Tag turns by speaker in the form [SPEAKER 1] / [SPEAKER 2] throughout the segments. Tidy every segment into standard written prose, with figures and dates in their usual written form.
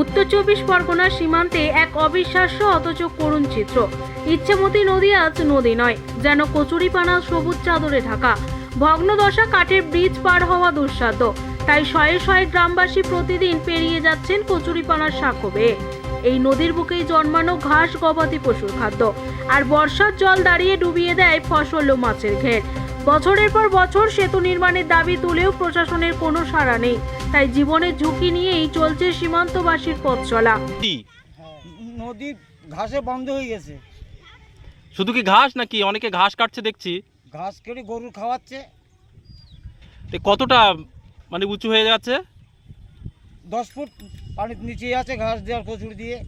[SPEAKER 1] উত্তর 24 পরগনার সীমান্তে এক অবিশ্বাস্য অথচ করুণ চিত্র। ইচ্ছামতি নদী আজ নদী নয়, যেন কচুরিপানা সবুজ চাদরে ঢাকা। ভগ্নদশা কাঠের ব্রিজ পার হওয়া দুঃসাধ্য, তাই শয়ে শয়ে গ্রামবাসী প্রতিদিন পেরিয়ে যাচ্ছেন কচুরিপানার সাঁকো বেয়ে। এই নদীর বুকেই জন্মানো ঘাস গবাদি পশুর খাদ্য, আর বর্ষার জল দাঁড়িয়ে ডুবিয়ে দেয় ফসল ও মাছের ঘের। বছরের পর বছর সেতু নির্মাণের দাবি তুলেও প্রশাসনের কোনো সাড়া নেই, তাই জীবনের ঝুঁকি নিয়েই চলছে সীমান্তবাসীর পথ চলা।
[SPEAKER 2] নদী ঘাসে বন্ধ হয়ে গেছে।
[SPEAKER 3] শুধু কি ঘাস নাকি অনেকে ঘাস কাটছে দেখছি?
[SPEAKER 2] ঘাস কেটে গরু খাওয়াচ্ছে।
[SPEAKER 3] তো কতটা মানে উঁচু হয়ে যাচ্ছে?
[SPEAKER 2] 10 ফুট পানির নিচে আছে ঘাস দেওয়ার কচুরি দিয়ে।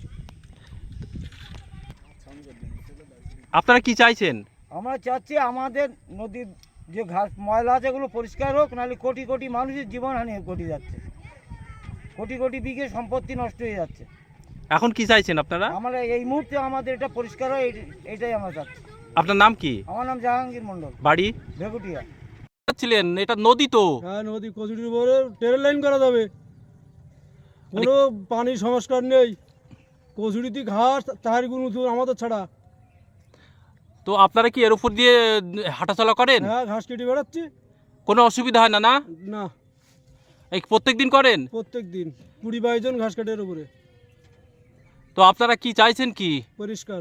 [SPEAKER 3] আপনারা কি চাইছেন?
[SPEAKER 2] আমরা চাচ্ছি আমাদের নদীর যে ঘাস ময়লা আছে এগুলো পরিষ্কার হোক, নাহলে কোটি কোটি মানুষের জীবনহানি ঘটে যাচ্ছে, কোটি কোটি বিঘে সম্পত্তি নষ্ট হয়ে যাচ্ছে।
[SPEAKER 3] এখন কি চাইছেন আপনারা?
[SPEAKER 2] আমরা এই মুহূর্তে আমাদের এটা পরিষ্কার হয়, এটাই আমরা চাচ্ছি।
[SPEAKER 3] আপনার নাম কি?
[SPEAKER 2] আমার নাম জাহাঙ্গীর মণ্ডল,
[SPEAKER 3] বাড়ি
[SPEAKER 2] ভেগুটিয়া।
[SPEAKER 3] ছিলেন, এটা নদী তো।
[SPEAKER 4] হ্যাঁ, নদী কচুরির উপরে ট্রেন লাইন করা যাবে, কোনো পানির সংস্কার নেই। কচুরিতে ঘাস তাহার গুণ আমাদের ছাড়া।
[SPEAKER 3] তো আপনারা কি এর উপর দিয়ে হাঁটাচলা করেন?
[SPEAKER 4] হ্যাঁ, ঘাস কেটে বেড়াচ্ছি।
[SPEAKER 3] কোনো অসুবিধা হয় না? না,
[SPEAKER 4] না,
[SPEAKER 3] এই প্রত্যেক দিন করেন?
[SPEAKER 4] প্রত্যেক দিন 20-22 জন ঘাস কাটের উপরে।
[SPEAKER 3] তো আপনারা কি চাইছেন? কি
[SPEAKER 4] পরিষ্কার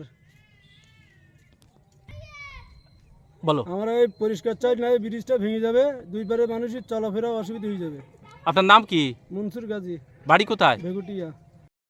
[SPEAKER 3] বলো।
[SPEAKER 4] আমরা এই পরিষ্কার চাই, না এই ব্রিজটা ভেঙে যাবে, দুই পারে মানুষের চলাফেরা অসুবিধা হয়ে যাবে।
[SPEAKER 3] আপনার নাম কি?
[SPEAKER 4] মনসুর গাজী,
[SPEAKER 3] বাড়ি কোথায়?
[SPEAKER 4] ভেগুটিয়া।